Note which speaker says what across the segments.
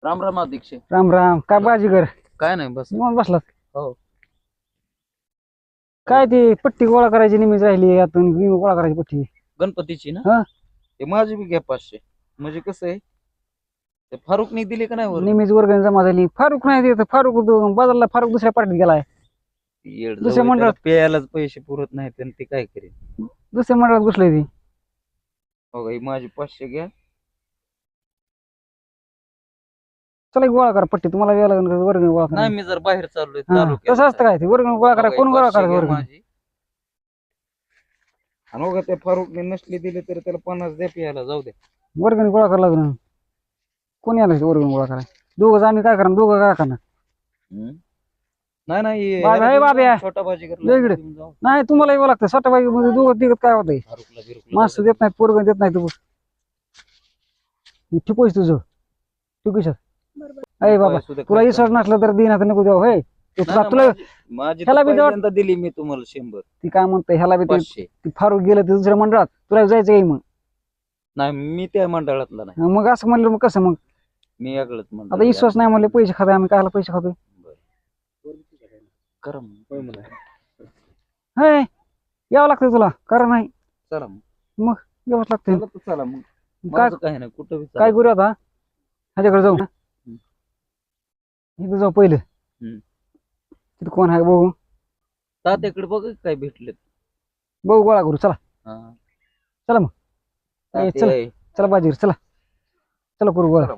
Speaker 1: राम राम अध्यक्ष.
Speaker 2: राम राम. काय बाजीगर
Speaker 1: काय नाही बस.
Speaker 2: निवांत बसलात?
Speaker 1: हो.
Speaker 2: काय ती पट्टी गोळा करायची निमित्त राहिली यातून गोळा करायची पट्टी
Speaker 1: गणपतीची ना.
Speaker 2: हा.
Speaker 1: ते माझी बी घ्या 500. म्हणजे कसं आहे ते फारुकनी दिली का नाही वर
Speaker 2: निमित्त वर्गणी जमा झाली. फारुक नाही देत. फारुक बाजारला फारुक दुसऱ्या पार्टीत गेलाय. दुसऱ्या मंडळात
Speaker 1: प्यायलाच पैसे पुरत नाहीत आणि ते काय करेल.
Speaker 2: दुसऱ्या मंडळात घुसलंय ती.
Speaker 1: हो ही माझी 500 घ्या.
Speaker 2: चला गोळा करा पट्टी. तुम्हाला वेळ लागेल वर्गणी गोळा करा.
Speaker 1: नाही मी जर बाहेर चाललोय
Speaker 2: हा,
Speaker 1: चालू
Speaker 2: तसं असतं काय ते वर्गणी गोळा करा. कोण गोळा करा वर्गणी?
Speaker 1: माझी आणि बघा त्या फारुकने नसले दिले तर त्याला 50 द्या प्यायला जाऊ द्या.
Speaker 2: वर्गणी गोळा करा लागणार. कोणी आलं वर्गणी गोळा करा? दोघं आम्ही काय करणार? दोघं काय करणार?
Speaker 1: नाही
Speaker 2: बाबा, हे बाब्या.
Speaker 1: छोटा भाजी
Speaker 2: वेगळे. नाही तुम्हाला यावं लागतं. स्वतः बाई मध्ये दोघं तिघत काय होतंय? माणसं देत नाहीत, पोरगं देत नाही. तू ठिकोयस तुझं तू कशात? अरे बाबा तुला विश्वास नसला तर दिन आता नको देऊ. होय तुला
Speaker 1: माझी
Speaker 2: ह्याला बी
Speaker 1: पहिल्यांदा दिली मी तुम्हाला 100.
Speaker 2: ती काय म्हणते ह्याला बी
Speaker 1: 500.
Speaker 2: ती फारूक गेलं ते दुसऱ्या मंडळात. तुला जायचं आहे मग?
Speaker 1: नाही मी त्या मंडळातला नाही.
Speaker 2: मग असं म्हणलं मग कसं? मग
Speaker 1: मी याकडे
Speaker 2: आता विश्वास नाही म्हणले पैसे खातोय आम्ही. कायला पैसे खातोय? हे यावं लागतंय तुला. कारण नाही
Speaker 1: चला
Speaker 2: मग यावंच लागतंय.
Speaker 1: चला मग
Speaker 2: काय
Speaker 1: काय नाही कुठं
Speaker 2: काय करू आता? ह्याच्याकडे जाऊ. इथं जाऊ पहिलं. तिथं कोण आहे बघू.
Speaker 1: तात्याकडे बघ काय भेटले.
Speaker 2: बघू गोळा करू. चला चला मग. चला चला बाजीगर चला. चला करू गोळा.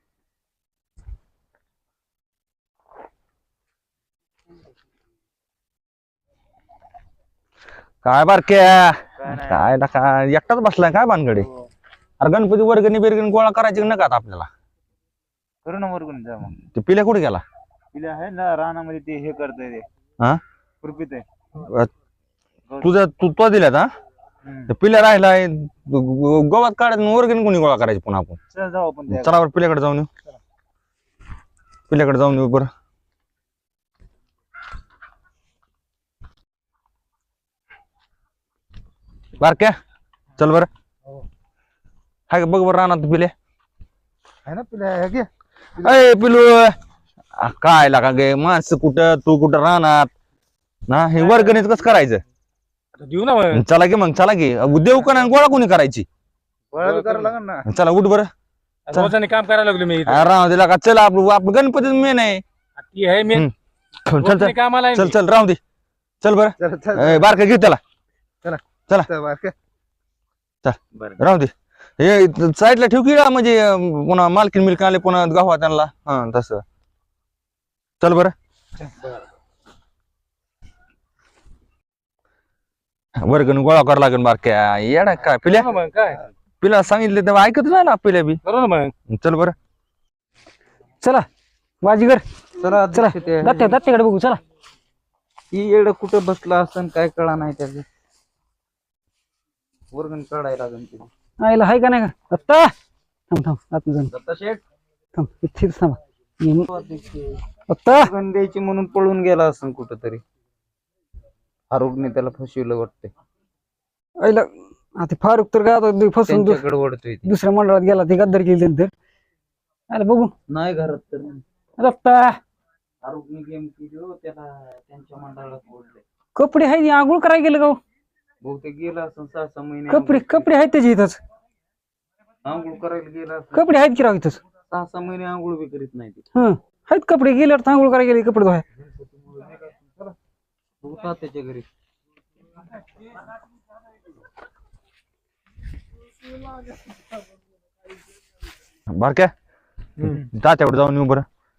Speaker 3: काय बारक्या काय काय एकटाच बसलाय काय भानगडे? अरे गणपती वर्गणी बिरगणी गोळा करायची नका आता आपल्याला.
Speaker 4: करू ना वर्गणी जा मग.
Speaker 3: ते पिल्या कुठे गेला?
Speaker 4: तिला आहे ना रानामध्ये ते हे करतोय ते.
Speaker 3: हा
Speaker 4: खुरपीत आहे.
Speaker 3: तुझ्या तू दिल्यात हा? ते पिल्या राहिलाय गोवात काढायचं वर्गणी कोणी गोळा करायची पुन्हा आपण?
Speaker 4: चल जाऊ आपण त्या.
Speaker 3: चला बरं पिल्याकडे जाऊन येऊ. पिल्याकडे जाऊन येऊ बरं. बारक्या चल बरं. हाय का बघ बरं रानात पिले.
Speaker 4: आहे ना पिल्या हे घे.
Speaker 3: अय पिलू काय लागा गे माणसं कुठं तू कुठं राहणार ना? हे वर्गणीच कसं करायचं?
Speaker 4: देऊ ना मग.
Speaker 3: चला की मग चला की देऊ का नाही गोळा कोणी करायची?
Speaker 4: गोळा करायला लागेल ना.
Speaker 3: चला उठ बरं.
Speaker 4: रोजाने काम करायला लागलो मी.
Speaker 3: राहू दिला का? चल आपलं गणपतीच मेन आहे.
Speaker 4: ती आहे मी.
Speaker 3: चल चल
Speaker 4: कामाला आहे
Speaker 3: चल चल राहू दे. चल बरं बारका घे त्याला. चला राहू दे. हे साईडला ठेव की म्हणजे पुन्हा मालकीन मिल्क आले पुन्हा गावा त्यांना. हा तसं चल बरं. वर्गण गोळा करावं लागेल बारक्या. येडा काय पिल्या
Speaker 4: मग काय
Speaker 3: पिला सांगितले तेव्हा ऐकत नाही ना पिल्या बी.
Speaker 4: करू ना मग.
Speaker 3: चल बरं.
Speaker 2: चला बाजीगर
Speaker 1: चला
Speaker 2: चला. दत्त्याकडे बघू. चला
Speaker 1: ही येड कुठं बसला असं काय कळा नाही त्याचं. वर्गण काढायला लागेल.
Speaker 2: आईला हाय का नाही का? दत्ता थांब थांब आत जाऊन
Speaker 1: दत्ता शेठ
Speaker 2: थांब. इथेच थांबा. दत्ता
Speaker 1: वर्गण द्यायची म्हणून पळून गेला असं कुठं तरी. फारुकने त्याला फसवलं वाटतंय.
Speaker 2: आईला आता फारूक तर काय आता फसून
Speaker 1: त्यांच्याकडे ओढतोय ती.
Speaker 2: दुसऱ्या मंडळात गेला. ते गद्दार केली त्यांनी तर. आला बघू
Speaker 1: नाही घरात तर
Speaker 2: दत्ता.
Speaker 1: फारुकने गेम केली हो त्याला त्यांच्या मंडळात ओढले.
Speaker 2: कपडे आहेत आंघोळ करायला गेलं का?
Speaker 1: बहुतेक गेला असं 6-6 महिने.
Speaker 2: कपडे आहेत त्याची इथंच.
Speaker 1: आंघोळ करायला गेला असं.
Speaker 2: कपडे आहेत की राव इथंच?
Speaker 1: 6-6 महिने आंघोळ बी करीत नाही ती.
Speaker 2: आहेत कपडे. गेल्यावर आंघोळ करायला गेले कपडे धुवाय.
Speaker 1: होता त्याच्या घरी.
Speaker 3: बारक्या तात्याकडे जाऊन येऊ बरं.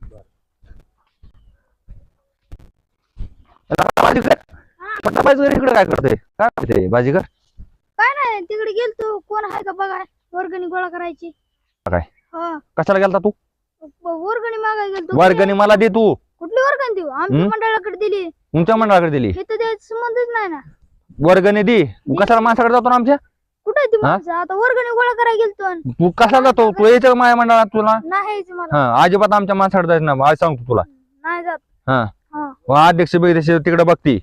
Speaker 3: इकडे काय करते? काय करते बाजीगर?
Speaker 5: काय नाही तिकडे गेलतो. कोण आहे का बघा. वर्गणी गोळा करायची.
Speaker 3: काय
Speaker 5: हा
Speaker 3: कशाला गेलता तू?
Speaker 5: वर्गणी मागायला गेलतो.
Speaker 3: वर्गणी मला दे तू.
Speaker 5: कुठली वर्गणी देऊ? आमच्या मंडळाकडे दिली.
Speaker 3: तुमच्या मंडळाकडे दिली.
Speaker 5: हे तर द्यायचा संबंधच नाही ना.
Speaker 3: वर्गणी दे. कशाला माणसाकडे जातो ना आमच्या?
Speaker 5: कुठे ती माणसं? आता वर्गणी गोळा करायला गेलतो.
Speaker 3: तू कशाला जातो? तू यायचं माझ्या मंडळात तुला?
Speaker 5: नाही यायचं मला.
Speaker 3: हा अजिबात आमच्या माणसाकडे जायचं ना. आज सांगतो तुला.
Speaker 5: नाही जात.
Speaker 3: हा अध्यक्ष बिध्यक्ष तिकडे बघती.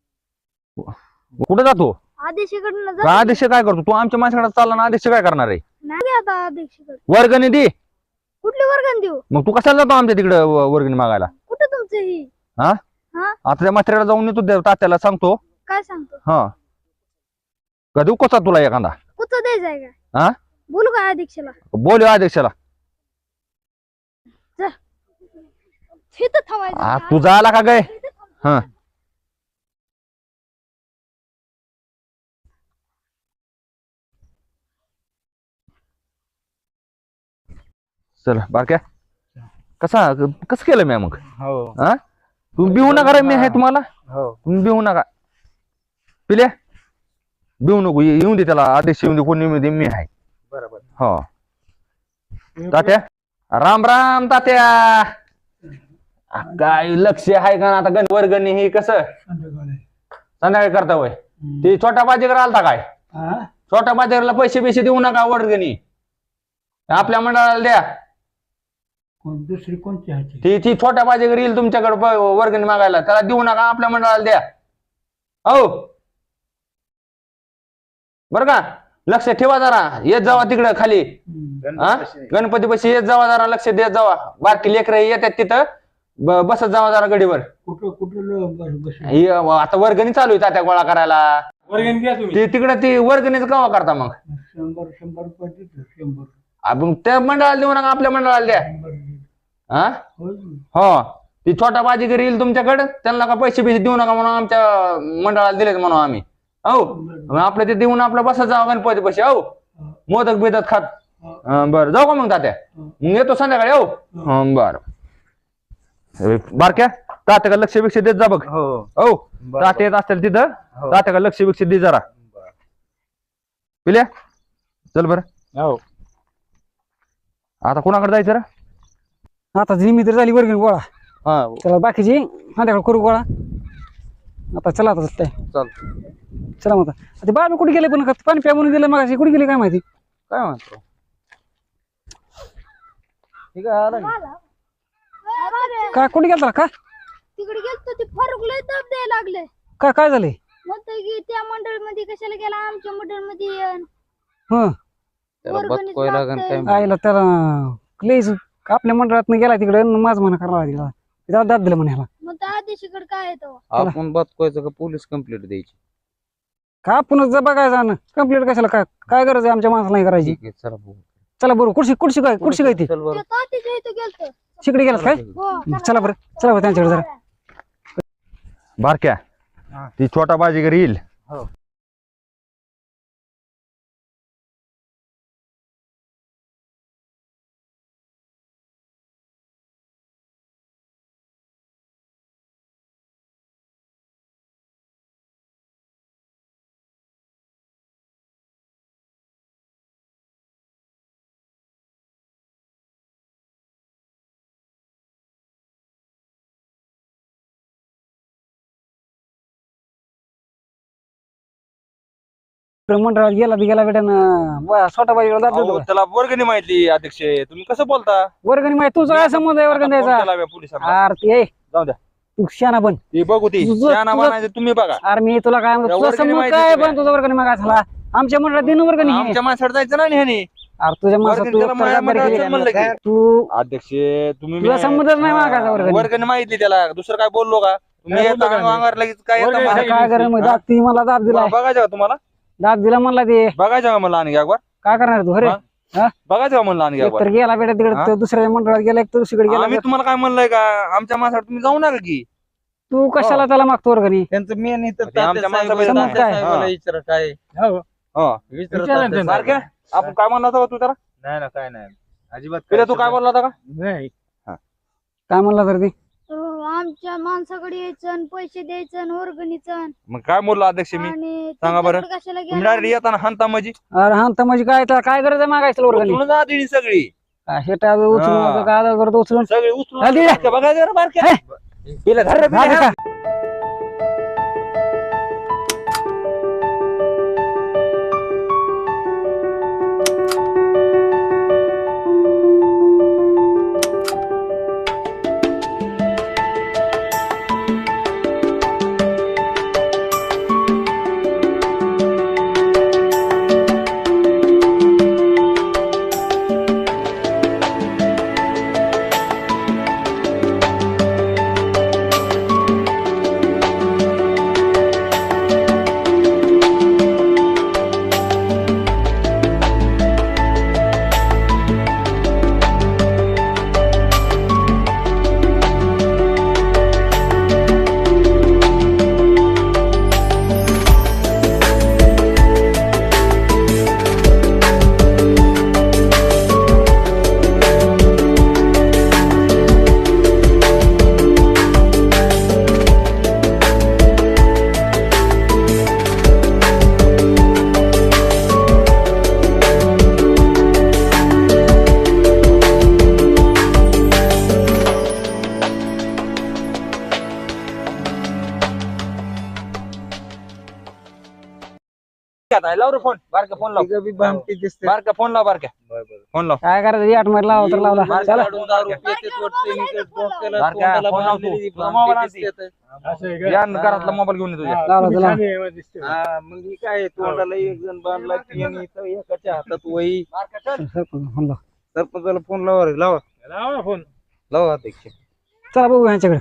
Speaker 3: कुठे जातो?
Speaker 5: आदेशाकडनं
Speaker 3: का अध्यक्ष काय करतो? तू आमच्या माणसाकडे चालला ना. अध्यक्ष काय करणार आहे?
Speaker 5: नाही आता आदेशाकडे.
Speaker 3: वर्गणी दे.
Speaker 5: कुठली वर्गण देऊ?
Speaker 3: मग तू कशाला जातो आमच्या तिकडे वर्गणी मागायला?
Speaker 5: कुठं तुमचं ही?
Speaker 3: आता त्या म्हाताऱ्याला जाऊन येतो त्या तात्याला सांगतो.
Speaker 5: काय सांगतो?
Speaker 3: हा का देऊ कसा तुला एखादा?
Speaker 5: कुठं द्यायचंय का?
Speaker 3: हा
Speaker 5: बोलू का अध्यक्षाला?
Speaker 3: बोल अध्यक्षाला.
Speaker 5: तिथं थांबायचं.
Speaker 3: तू झाला का काय? हा चल बारक्या कसं केलं मी मग?
Speaker 1: हो
Speaker 3: हा तुम्ही बिहू नका रे, मी आहे तुम्हाला.
Speaker 1: हो
Speaker 3: तुम्ही बिहू नका. पिल्या बिहू नको, येऊन दे त्याला. अध्यक्ष येऊन दे, कोणी येऊन दे, मी आहे.
Speaker 1: बरोबर.
Speaker 3: हो तात्या राम राम तात्या. काय लक्ष आहे का आता? वर्गणी हे कसं संध्याकाळी करता होय? ते छोटा बाजीगर आलता काय? छोटा बाजीगरला पैसे बिशे देऊ नका वर्गणी, आपल्या मंडळाला द्या.
Speaker 4: दुसरी कोणती आहे?
Speaker 3: ती छोटा बाजीगर येईल तुमच्याकडे वर्गणी मागायला, त्याला देऊ नका, आपल्या मंडळाला द्या. हो बर का? लक्ष ठेवा जरा. येत जावा तिकडं खाली. गणपती पाशी येत जावा जरा, लक्ष देत जावा. बारकी लेकर येतात तिथं, बसत जावा जरा गडीवर. आता वर्गणी चालू आहे तात्या गोळा करायला.
Speaker 4: वर्गणी द्या तुम्ही.
Speaker 3: ते तिकडं ती वर्गणीच केव्हा करता मग?
Speaker 4: 100 रुपये देतो. 100.
Speaker 3: आपण त्या मंडळाला देऊ नका, आपल्या मंडळाला द्या. हा हो ती छोटा बाजीगर येईल तुमच्याकडे, त्यांना का पैसे बिसे देऊ नका म्हणून आमच्या मंडळाला दिलेत म्हणून आम्ही. हो आपलं ते देऊन आपलं बसत जावं गणपती पैसे. हो मोदक बिदक खात. बरं जाऊ का मग तात्या? मग येतो संध्याकाळी. हो बर बारक्या तात्या का लक्ष बिक्ष देत जा बघ.
Speaker 1: हो
Speaker 3: हो तात्या येत असतील तिथं, तात्या का लक्ष बिक्ष दे जरा. पिल्या चल बर.
Speaker 1: हो
Speaker 3: आता कोणाकडे जायचं रे?
Speaker 2: आता जिमी तर झाली वर्गणी गोळा.
Speaker 1: हा
Speaker 2: चला बाकीची माझ्याकडे करू गोळा. आता चला आता काय
Speaker 1: चाल.
Speaker 2: चला मग आता. ते बाबा कुठे गेले? पण पाणी प्या म्हणून दिलं मग कुठे गेले काय माहिती.
Speaker 1: काय म्हणतो? ठीक आहे आला की.
Speaker 2: काय कुठे गेलता का?
Speaker 5: तिकडे गेलतो, ते फारुक लय दब द्यायला लागले.
Speaker 2: काय झाले?
Speaker 5: म्हणतोय की त्या मंडळ मध्ये कशाला गेला, आमच्या मंडळ मध्ये येन.
Speaker 2: हं
Speaker 1: त्याला
Speaker 5: वर्गणीच
Speaker 1: बदकोय लागन
Speaker 5: लागतंय.
Speaker 1: काय?
Speaker 2: आईला त्याला लईच आपल्या मंडळात गेला तिकडे, माझं म्हणा करायला तिकडं त्याला दाब दिलं म्हणे ह्याला.
Speaker 5: मग त्या आदेशीकडे काय येतो?
Speaker 1: आपण बदकोयचं का पोलीस कंप्लेंट द्यायची?
Speaker 2: का पुन्हा जर बघायचं ना कंप्लीट कशाला? काय काय गरज आहे आमच्या माणसाला नाही करायची?
Speaker 1: ठीक आहे चला बघू.
Speaker 2: चला बरोबर. कुठशी काय ती
Speaker 1: चल बरं.
Speaker 5: ते तात्याच्या इथं गेलतो.
Speaker 2: तिकडे गेलास काय?
Speaker 5: हो
Speaker 2: चला बरं त्यांच्याकडे जरा.
Speaker 3: बारक्या ती छोटा बाजीगर येईल.
Speaker 1: हो.
Speaker 2: मंडळात गेला बेटा छोटा बाई दाब देतो.
Speaker 3: त्याला वर्गणी माहिती अध्यक्ष, तुम्ही कसं बोलता?
Speaker 2: वर्गणी माहिती तुझा काय संबंध आहे वर्गणी द्यायचा?
Speaker 3: पोलिसांना
Speaker 2: अरे
Speaker 3: जाऊ द्या,
Speaker 2: तू शाना बन.
Speaker 3: ते बघू ती
Speaker 2: तुझं-
Speaker 3: शहाणा बनायचं तुम्ही बघा.
Speaker 2: अरे मी तुला काय म्हणतो, तुझा
Speaker 3: वर्गणी
Speaker 2: संबंध
Speaker 3: माहिती
Speaker 2: काय
Speaker 3: तुला.
Speaker 2: पण तुझा वर्गणी मागा झाला आमच्या मंडळात दिन वर्गणी आहे.
Speaker 3: आमच्या माणसाला जायचं ना ह्याने.
Speaker 2: अरे तुझ्या माणसात
Speaker 3: वर्गणी
Speaker 2: तू
Speaker 3: त्याला माझ्या
Speaker 2: जबाबदारी
Speaker 3: मंडळाचं
Speaker 2: केली.
Speaker 3: म्हणलं की.
Speaker 2: तू
Speaker 3: अध्यक्ष तुम्ही
Speaker 2: तुला संबंधच नाही मागायचा वर्गणी.
Speaker 3: वर्गणी माहिती त्याला, दुसरं काय बोललो का? तुम्ही
Speaker 4: काय
Speaker 3: येता
Speaker 4: बोललो का
Speaker 3: अंगावर लगेच काय
Speaker 4: वर्गणी
Speaker 3: येतं
Speaker 4: नाही.
Speaker 3: मला?
Speaker 2: काय करेल मग? दाब ती मला दाब दिलाय,
Speaker 3: बघायचं का तुम्हाला?
Speaker 2: दाब दिला म्हणला ते.
Speaker 3: बघायचं का म्हणलं आणखी एकবার?
Speaker 2: काय करणार तू? अरे
Speaker 3: हा? बघायचं का म्हणलं आणखी
Speaker 2: एक
Speaker 3: एकবার?
Speaker 2: तर गेला बेटा
Speaker 3: हा?
Speaker 2: तिकडे दुसऱ्या मंडळात गेला, एक तर दुसरीकडे गेला.
Speaker 3: आम्ही तुम्हाला काय म्हणलंय का? आमच्या माणसाला तुम्ही जाऊ नका की.
Speaker 2: तू कशाला त्याला मागतो वर्गणी?
Speaker 1: त्यांचं मेन इथं
Speaker 3: ते आमच्या माणसाला
Speaker 2: समज काय?
Speaker 1: साहेबाला विचारा काय
Speaker 4: हो.
Speaker 3: हा.
Speaker 1: विचारा
Speaker 4: विचारा
Speaker 1: तात्या
Speaker 4: त्यांना.
Speaker 3: सारख्या
Speaker 1: साहेबाला.
Speaker 3: आपण काय म्हणला होता तू त्याला?
Speaker 1: नाही ना काय नाही अजिबात.
Speaker 3: पिल्या तू काय बोलला होता का?
Speaker 4: नाही
Speaker 2: काय म्हणला तर ती?
Speaker 5: आमच्या माणसाकडे यायचं आणि पैसे द्यायचं आणि वर्गणीचं
Speaker 3: मग काय बोललो अध्यक्ष मी?
Speaker 5: आणि
Speaker 3: सांगा बरं.
Speaker 5: तुमच्याकडे कशाला
Speaker 3: तुम्ही
Speaker 5: गेला?
Speaker 3: डायरेक्ट येताना हानता म्हणजे
Speaker 2: अरे हा तर म्हणजे काय त्याला काय गरज आहे मागायचं वर्गणी?
Speaker 3: उचलून जा दिली सगळी.
Speaker 2: हे टाळ उचलून
Speaker 3: हा.
Speaker 2: आता काय करतो उचलून
Speaker 3: सगळी उचलून
Speaker 2: हा, दिली.
Speaker 3: बघायचं रे बारक्या. पिल्या धर रे, पिल्या,
Speaker 2: झालं
Speaker 3: धर.
Speaker 2: का?
Speaker 3: नाही लाव रे फोन बारका फोन लाव
Speaker 1: तिघं बी भामटी दिसते
Speaker 3: बारका फोन लाव बारका फोन लाव
Speaker 2: काय करायचं 8 मध्ये लावा तर लावला चला
Speaker 3: बारका फोन लाव तू तुझा मोबाईल आणते
Speaker 4: असं आहे का?
Speaker 3: या घरातला मोबाईल घेऊन ये तुझ्या
Speaker 4: हा,
Speaker 2: लावला,
Speaker 4: तुम्ही
Speaker 2: लावला.
Speaker 4: छान आहे, दिसते.
Speaker 1: हा मग ही काय तोंडाला एक जण बांधला आणि इथं एकाच्या हातात वही
Speaker 2: सरपंच फोन लाव.
Speaker 1: सरपंचाला फोन लावा रे लावा
Speaker 4: लावा ना फोन
Speaker 1: लावा अध्यक्ष
Speaker 2: चला बघू ह्यांच्याकडे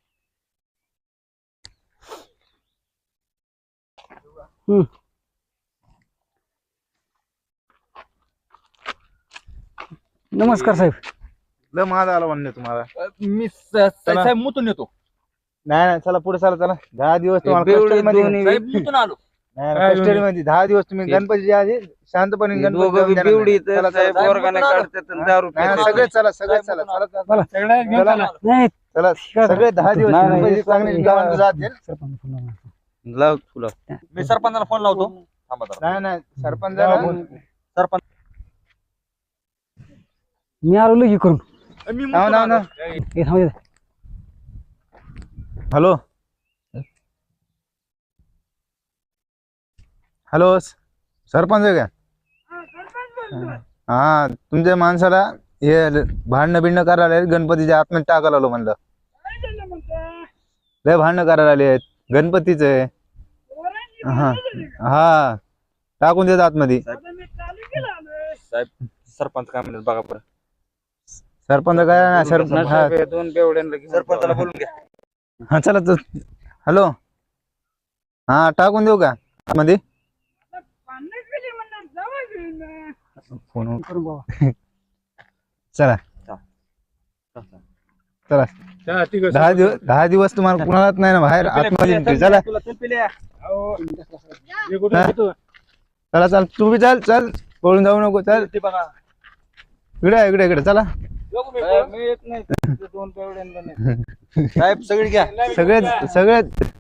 Speaker 2: नमस्कार साहेब
Speaker 1: ल माझा आला म्हणणे तुम्हाला
Speaker 3: मी साहेब मुतून येतो
Speaker 1: नाही नाही चला पुढे चला चला 10 दिवस तुम्हाला
Speaker 3: बेवडे
Speaker 1: custody मध्ये
Speaker 3: दोन्ही साहेब मुतून आलो
Speaker 1: नाही, नाही, custody मध्ये 10 दिवस तुम्ही गणपतीच्या आधी शांतपणे गणपती जाऊन देणार नाही. चला, चला,
Speaker 3: साहेब वर्गाने काढतात आणि दारू
Speaker 1: नाही, नाही,
Speaker 3: पितात.
Speaker 1: सगळे चला सगळे चला चला चला
Speaker 4: सगळ्या घेऊन
Speaker 1: चला.
Speaker 4: चला.
Speaker 2: नाही
Speaker 1: चला सगळे 10 दिवस
Speaker 2: नाही, नाही,
Speaker 1: गणपती चांगले गावात जातील.
Speaker 2: सरपंच फोन लाव.
Speaker 1: लाव तुला
Speaker 3: मी सरपंचाला फोन लावतो थांबा जरा.
Speaker 1: नाही नाही सरपंचाला
Speaker 3: सरपंच
Speaker 2: मी आलो लगी करून
Speaker 3: मी
Speaker 1: नाव नाव नाव
Speaker 2: हे थांब इथं.
Speaker 1: हॅलो हॅलो सरपंच आहे का हा तुमच्या माणसाला हे भांडणं बिंडणं करायला आले गणपतीच्या आतमध्ये टाकायला आलो म्हणलं लय भांडणं करायला आले आहेत गणपतीच आहे हा हा टाकून देत आतमध्ये
Speaker 3: साहेब सरपंच काय म्हणतात बघा परत
Speaker 1: सरपंच काय ना सरपंच हा
Speaker 3: दोन बेवड्यांना सरपंचाला बोलून घ्या
Speaker 1: हा चला तू हॅलो हा टाकून देऊ का आतमध्ये फोन
Speaker 2: करून बाबा
Speaker 1: चला चला
Speaker 4: चला, ठीक आहे.
Speaker 1: 10 दिवस तुम्हाला कुणालाच नाही ना बाहेर आतमध्ये entry. चला
Speaker 4: अहो, हे कुठं घेतो?
Speaker 1: चला चल तू बी चल चल पळून जाऊ नको चल इकडे इकडे इकडे चला
Speaker 3: साहेब सगळी घ्या
Speaker 1: सगळे सगळे